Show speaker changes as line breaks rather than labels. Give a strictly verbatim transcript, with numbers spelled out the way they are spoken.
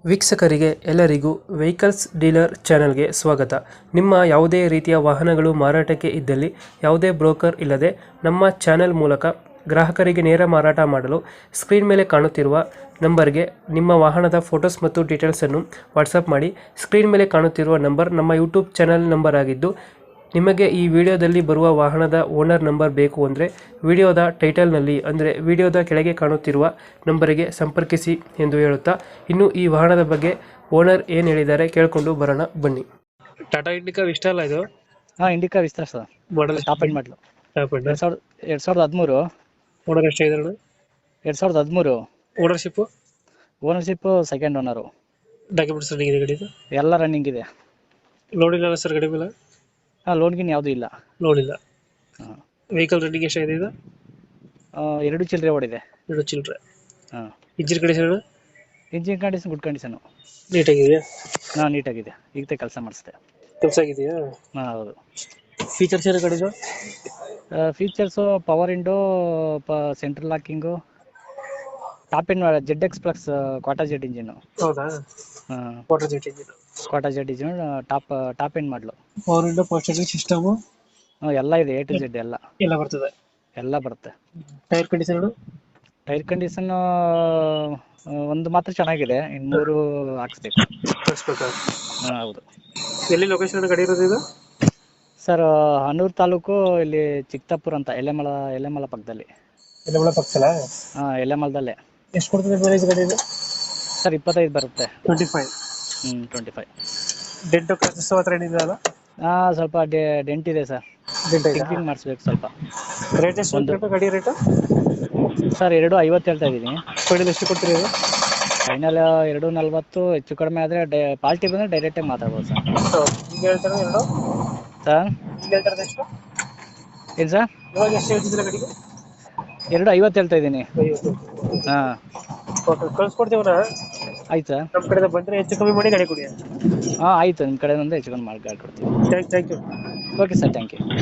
ವೀಕ್ಷಕರಿಗೆ ಎಲ್ಲರಿಗೂ vehicles dealer ಚಾನೆಲ್ಗೆ ಸ್ವಾಗತ. ನಿಮ್ಮ ಯಾವುದೇ ರೀತಿಯ ವಾಹನಗಳು ಮಾರಾಟಕ್ಕೆ ಇದ್ದಲ್ಲಿ ಯಾವುದೇ ಬ್ರೋಕರ್ ಇಲ್ಲದೆ ನಮ್ಮ ಚಾನೆಲ್ ಮೂಲಕ ಗ್ರಾಹಕರಿಗೆ ನೇರ ಮಾರಾಟ ಮಾಡಲು ಸ್ಕ್ರೀನ್ ಮೇಲೆ ಕಾಣುತ್ತಿರುವ ನಂಬರ್ಗೆ ನಿಮ್ಮ ವಾಹನದ ಫೋಟೋಸ್ ಮತ್ತು ಡೀಟೇಲ್ಸನ್ನು ವಾಟ್ಸಪ್ ಮಾಡಿ. ಸ್ಕ್ರೀನ್ ಮೇಲೆ ಕಾಣುತ್ತಿರುವ ನಂಬರ್ ನಮ್ಮ ಯೂಟ್ಯೂಬ್ ಚಾನೆಲ್ ನಂಬರ್ ಆಗಿದ್ದು, ನಿಮಗೆ ಈ ವಿಡಿಯೋದಲ್ಲಿ ಬರುವ ವಾಹನದ ಓನರ್ ನಂಬರ್ ಬೇಕು ಅಂದರೆ ವಿಡಿಯೋದ ಟೈಟಲ್ನಲ್ಲಿ ಅಂದರೆ ವಿಡಿಯೋದ ಕೆಳಗೆ ಕಾಣುತ್ತಿರುವ ನಂಬರಿಗೆ ಸಂಪರ್ಕಿಸಿ ಎಂದು ಹೇಳುತ್ತಾ, ಇನ್ನು ಈ ವಾಹನದ ಬಗ್ಗೆ ಓನರ್ ಏನು ಹೇಳಿದ್ದಾರೆ ಕೇಳಿಕೊಂಡು ಬರೋಣ ಬನ್ನಿ. ಟಾಟಾ ಇಂಡಿಕಾ ಇಷ್ಟ ಅಲ್ಲ ಇದು?
ಹಾಂ, Indica Vista sir.
Model
top end model ಎರಡು ಸಾವಿರದ ಎರಡು ಸಾವಿರದ ಹದಿಮೂರು.
ಓನರ್ ಎಷ್ಟಾಗಿದೆ?
ಎರಡು ಸಾವಿರದ ಹದಿಮೂರು.
Ownership
ownership second owner.
Documents running ಇದೆ ಗಾಡಿದು?
ಎಲ್ಲ ರನ್ನಿಂಗ್ ಇದೆ.
ಲೋನ್ ಇಲ್ಲ ಸರ್ ಗಾಡಿ ಮೇಲೆ?
ಹಾಂ, ಲೋನ್ ಗಿನ್ ಯಾವುದೂ ಇಲ್ಲ.
ಲೋನ್ ಇಲ್ಲ.
ಹಾಂ,
ವೆಹಿಕಲ್ ರನ್ನಿಂಗ್ ಎಷ್ಟಾಗಿದೆ ಇದು?
ಎರಡು ಚಿಲ್ಲರೆ ಓಡಿದೆ.
ಎರಡು ಚಿಲ್ಲರೆ.
ಹಾಂ.
Engine condition?
Engine condition good condition.
ನೀಟಾಗಿದೆಯಾ?
ಹಾಂ, ನೀಟಾಗಿದೆ. ಈಗ ಕೆಲಸ ಮಾಡಿಸ್ದೆ.
ಕೆಲಸ ಆಗಿದೆಯಾ?
ಹಾಂ, ಹೌದು.
ಫೀಚರ್ಸ್ ಏನು ಗಾಡಿದು?
ಫೀಚರ್ಸು ಪವರ್ ವಿಂಡೋ, ಪ central locking, top end Z X plus quadrajet engine.
ಹೌದಾ?
ಹಾಂ,
water jet engine.
Quadrajet engine top top end model.
Power window, power steering system
ಹಾಂ, ಎಲ್ಲ ಇದೆ. ಎ ಟು ಜೆಡ್ ಎಲ್ಲ
ಎಲ್ಲ ಬರ್ತದೆ.
ಎಲ್ಲ ಬರುತ್ತೆ.
Tyre condition?
ಟೈರ್ ಕಂಡೀಷನ್ ಒಂದು ಮಾತ್ರ ಚೆನ್ನಾಗಿದೆ, ಇನ್ನು ಮೂರು ಹಾಕ್ಸ್ಬೇಕು.
ಕಳಿಸ್ಬೇಕಾ?
ಹಾಂ, ಹೌದು.
ಎಲ್ಲಿ ಲೊಕೇಶನ್ ಗಾಡಿ ಇರೋದು ಇದು?
ಸರ್, ಹನೂರು ತಾಲೂಕು, ಇಲ್ಲಿ ಚಿಕ್ತಾಪುರ ಅಂತ, ಎಲೆಮಲ ಎಲೆಮಲ ಪಕ್ಕದಲ್ಲಿ.
ಎಲ್ಲ ಪಕ್ಕಲ್ಲ?
ಹಾಂ, ಎಲೆಮಲದಲ್ಲೇ.
ಎಷ್ಟು ಕೊಡ್ತದೆ ಮೈಲೇಜ್ ಗಾಡಿ ಇದು?
ಸರ್, ಇಪ್ಪತ್ತೈದು ಬರುತ್ತೆ.
Twenty five.
ಹ್ಞೂ, ಟ್ವೆಂಟಿ ಫೈವ್.
ಡೆಂಟು ಕ್ರಾಚಸ್ ಹತ್ರ ಏನಿದೆ ಅಲ್ಲ?
ಹಾಂ, ಸ್ವಲ್ಪ ಡೆ ಡೆಂಟ್ ಇದೆ ಸರ್.
ಡೆಂಟ್ ಇದೆ.
ಟಿಂಕಿಂಗ್ ಮಾಡಿಸ್ಬೇಕು ಸ್ವಲ್ಪ.
ರೇಟ್ ಎಷ್ಟು
ಒಂದು
ಉಂಟು ಗಾಡಿ ರೇಟು?
ಸರ್, ಎರಡು ಐವತ್ತು ಹೇಳ್ತಾ ಇದ್ದೀನಿ.
ಫೈನಲ್ ಎಷ್ಟು ಕೊಡ್ತೀರಿ ಇದು?
ಫೈನಲ್ ಎರಡು ನಲ್ವತ್ತು. ಹೆಚ್ಚು ಕಡಿಮೆ ಆದರೆ ಡೈ ಪಾರ್ಟಿ ಬಂದರೆ ಡೈರೆಕ್ಟಾಗಿ ಮಾತಾಡ್ಬೋದು ಸರ್.
ಈಗ ಹೇಳ್ತಾರೆ ಎರಡು?
ಸರ್,
ಈಗ ಹೇಳ್ತಾರೆ ಎಷ್ಟು?
ಏನು ಸರ್?
ಇವಾಗ ಎಷ್ಟು ಹೇಳ್ತಿದ್ದೀರಾ ಗಾಡಿಗೆ?
ಎರಡು ಐವತ್ತು ಹೇಳ್ತಾ ಇದ್ದೀನಿ.
ಐವತ್ತು.
ಹಾಂ,
ಓಕೆ, ಕಳ್ಸ್ಕೊಡ್ತೀವಣ್ಣ.
ಆಯ್ತು ಸರ್.
ನಮ್ಮ ಕಡೆಯಿಂದ ಬಂದರೆ ಹೆಚ್ಚು ಕಮ್ಮಿ ಮಾಡಿ ಗಾಡಿ ಕೊಡಿ.
ಹಾಂ, ಆಯಿತು. ನಿಮ್ಮ ಕಡೆ ಒಂದು ಹೆಚ್ಚು ಕಡಿಮೆ ಮಾಡಿ ಗಾಡಿ ಕೊಡ್ತೀವಿ.
Thank thank you.
Okay sir, thank you.